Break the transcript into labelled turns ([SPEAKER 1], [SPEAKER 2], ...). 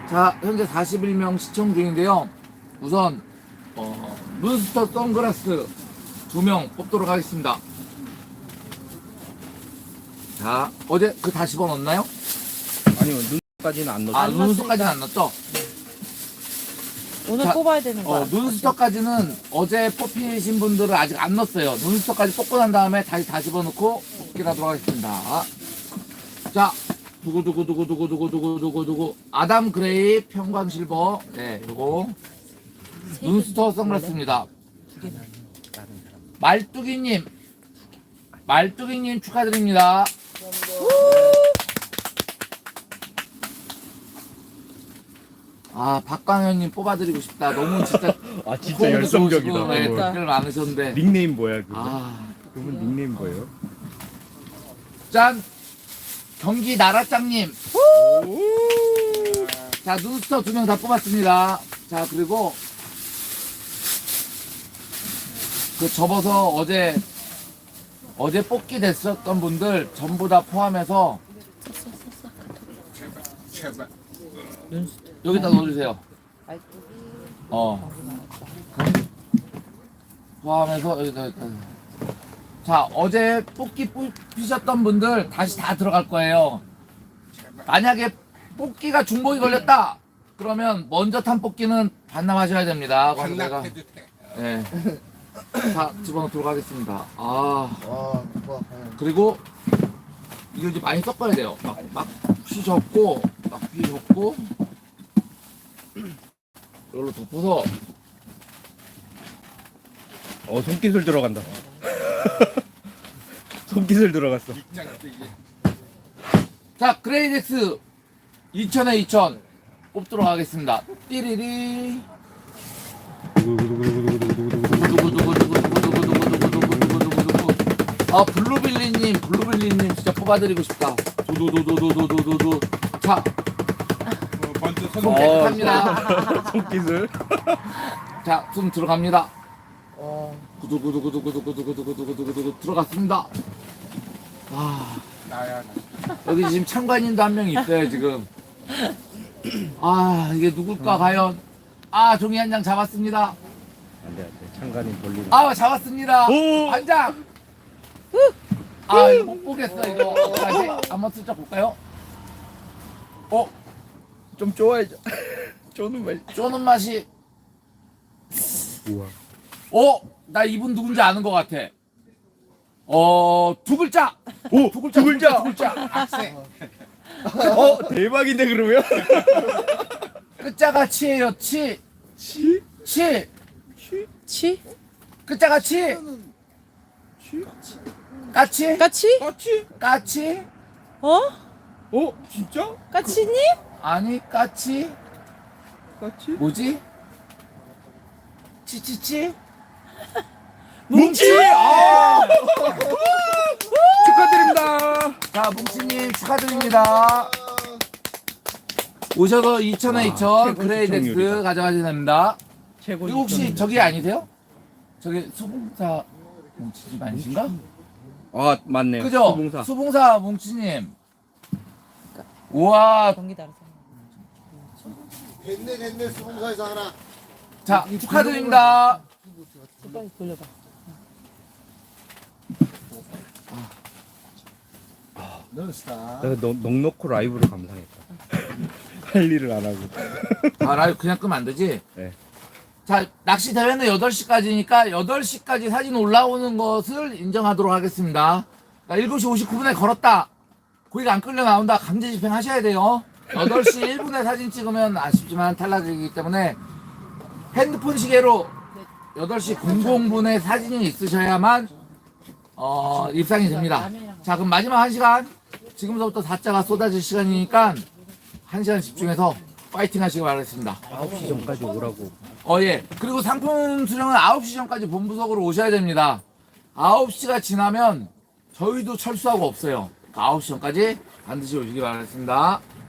[SPEAKER 1] 자, 현재 41명 시청 중인데요. 우선 문스터 선글라스 2명 뽑도록 하겠습니다. 자, 어제 그 다 집어넣었나요?
[SPEAKER 2] 아니요, 눈까지는 안 넣었어요.
[SPEAKER 1] 아, 눈스터까지는 안 넣었죠?
[SPEAKER 3] 오늘
[SPEAKER 1] 자,
[SPEAKER 3] 뽑아야 되는 거야.
[SPEAKER 1] 눈스터까지는 어제 뽑히신 분들은 아직 안 넣었어요. 눈스터까지 뽑고 난 다음에 다시 다 집어넣고 뽑기를 하도록 하겠습니다. 자, 두구두구두구두구두구두구두구 아담 그레이 평광실버. 네, 요거 눈스터 선글라스입니다. 말뚝이님 축하드립니다. 아, 박광현님 뽑아드리고 싶다. 너무 진짜
[SPEAKER 2] 아, 진짜
[SPEAKER 1] 호흡이
[SPEAKER 2] 열성적이다.
[SPEAKER 1] 좋으시고, 네,
[SPEAKER 2] 그거.
[SPEAKER 1] 댓글 많으셨는데.
[SPEAKER 2] 닉네임 뭐야, 그거?
[SPEAKER 1] 아,
[SPEAKER 2] 그분 닉네임 뭐예요?
[SPEAKER 1] 짠! 경기 나라짱님. 자, 눈스터 2명 다 뽑았습니다. 자, 그리고 그 접어서 어제 뽑기 됐었던 분들 전부 다 포함해서 여기다 넣어주세요. 포함해서 여기다. 자, 어제 뽑기 뽑히셨던 분들 다시 다 들어갈 거예요. 만약에 뽑기가 중복이 걸렸다 그러면 먼저 탄 뽑기는 반납하셔야 됩니다.
[SPEAKER 4] 반납해도 돼.
[SPEAKER 1] 네. 자, 집어넣도록 하겠습니다. 그리고 이거 이제 많이 섞어야 돼요. 막 휘젓고 이걸로 덮어서.
[SPEAKER 2] 손기술 들어간다. 손기술 들어갔어.
[SPEAKER 1] 자, 그레이덱스 2000에 2000 뽑도록 하겠습니다. 띠리리. 아, 블루빌리님 진짜 뽑아드리고 싶다. 도도도도도도도도도. 자,
[SPEAKER 4] 먼저
[SPEAKER 1] 손 깨끗합니다.
[SPEAKER 2] 손기술.
[SPEAKER 1] 자, 손 들어갑니다. 구두구두구두구두구두구두구두구두구 들어갔습니다. 아,
[SPEAKER 4] 나야.
[SPEAKER 1] 여기 지금 참관인도 한 명 있어요, 지금. 아, 이게 누굴까, 과연. 아, 종이 한 장 잡았습니다.
[SPEAKER 2] 안 돼. 창간이 돌리고.
[SPEAKER 1] 아, 잡았습니다.
[SPEAKER 2] 오!
[SPEAKER 1] 한 장. 아, 이거 못 보겠어, 이거. 어떡하지? 한번 슬쩍 볼까요?
[SPEAKER 2] 좀 쪼아야죠. 쪼는 말.
[SPEAKER 1] 쪼는 맛이.
[SPEAKER 2] 우와.
[SPEAKER 1] 나 이분 누군지 아는 것 같아. 두 글자.
[SPEAKER 2] 오!
[SPEAKER 1] 두 글자.
[SPEAKER 2] 두 글자.
[SPEAKER 1] 두 글자. 악세.
[SPEAKER 2] 대박인데, 그러면?
[SPEAKER 1] 끝자가 치예요, 치.
[SPEAKER 2] 치?
[SPEAKER 1] 치.
[SPEAKER 3] 치?
[SPEAKER 1] 끝자가 치. 까치?
[SPEAKER 3] 까치?
[SPEAKER 2] 까치?
[SPEAKER 1] 까치?
[SPEAKER 3] 어?
[SPEAKER 2] 진짜?
[SPEAKER 3] 까치님?
[SPEAKER 1] 아니, 까치?
[SPEAKER 2] 까치?
[SPEAKER 1] 뭐지? 치치치?
[SPEAKER 2] 뭉치! 축하드립니다.
[SPEAKER 1] 자, 뭉치님 축하드립니다. 오셔서 2000에 2000
[SPEAKER 2] 최고
[SPEAKER 1] 그레이덱스
[SPEAKER 2] 시청률이다.
[SPEAKER 1] 가져가셔야 됩니다.
[SPEAKER 2] 최고.
[SPEAKER 1] 그리고 혹시 저기 아니세요? 저기 수봉사 뭉치님 아니신가?
[SPEAKER 2] 아, 맞네요.
[SPEAKER 1] 그죠?
[SPEAKER 2] 수봉사.
[SPEAKER 1] 수봉사 뭉치님. 우와.
[SPEAKER 3] 경기 나라서.
[SPEAKER 4] 됐네 수봉사에서 하나.
[SPEAKER 1] 자, 축하드립니다.
[SPEAKER 3] 빨리 돌려봐.
[SPEAKER 4] 넌스타.
[SPEAKER 2] 내가 넉넉히 라이브로 감상했다. 할 일을 안 하고.
[SPEAKER 1] 아, 라이브 그냥 끄면 안 되지?
[SPEAKER 2] 네.
[SPEAKER 1] 자, 낚시 대회는 8시까지니까 8시까지 사진 올라오는 것을 인정하도록 하겠습니다. 그러니까 7시 59분에 걸었다. 고기가 안 끌려 나온다. 강제 집행하셔야 돼요. 8시 1분에 사진 찍으면 아쉽지만 탈락이기 때문에 핸드폰 시계로 8시 00분에 사진이 있으셔야만 입상이 됩니다. 자, 그럼 마지막 1시간 지금부터 4자가 쏟아질 시간이니까 1시간 집중해서 파이팅 하시기 바라겠습니다.
[SPEAKER 2] 9시 전까지 오라고.
[SPEAKER 1] 예. 그리고 상품 수령은 9시 전까지 본부석으로 오셔야 됩니다. 9시가 지나면 저희도 철수하고 없어요. 9시 전까지 반드시 오시기 바라겠습니다.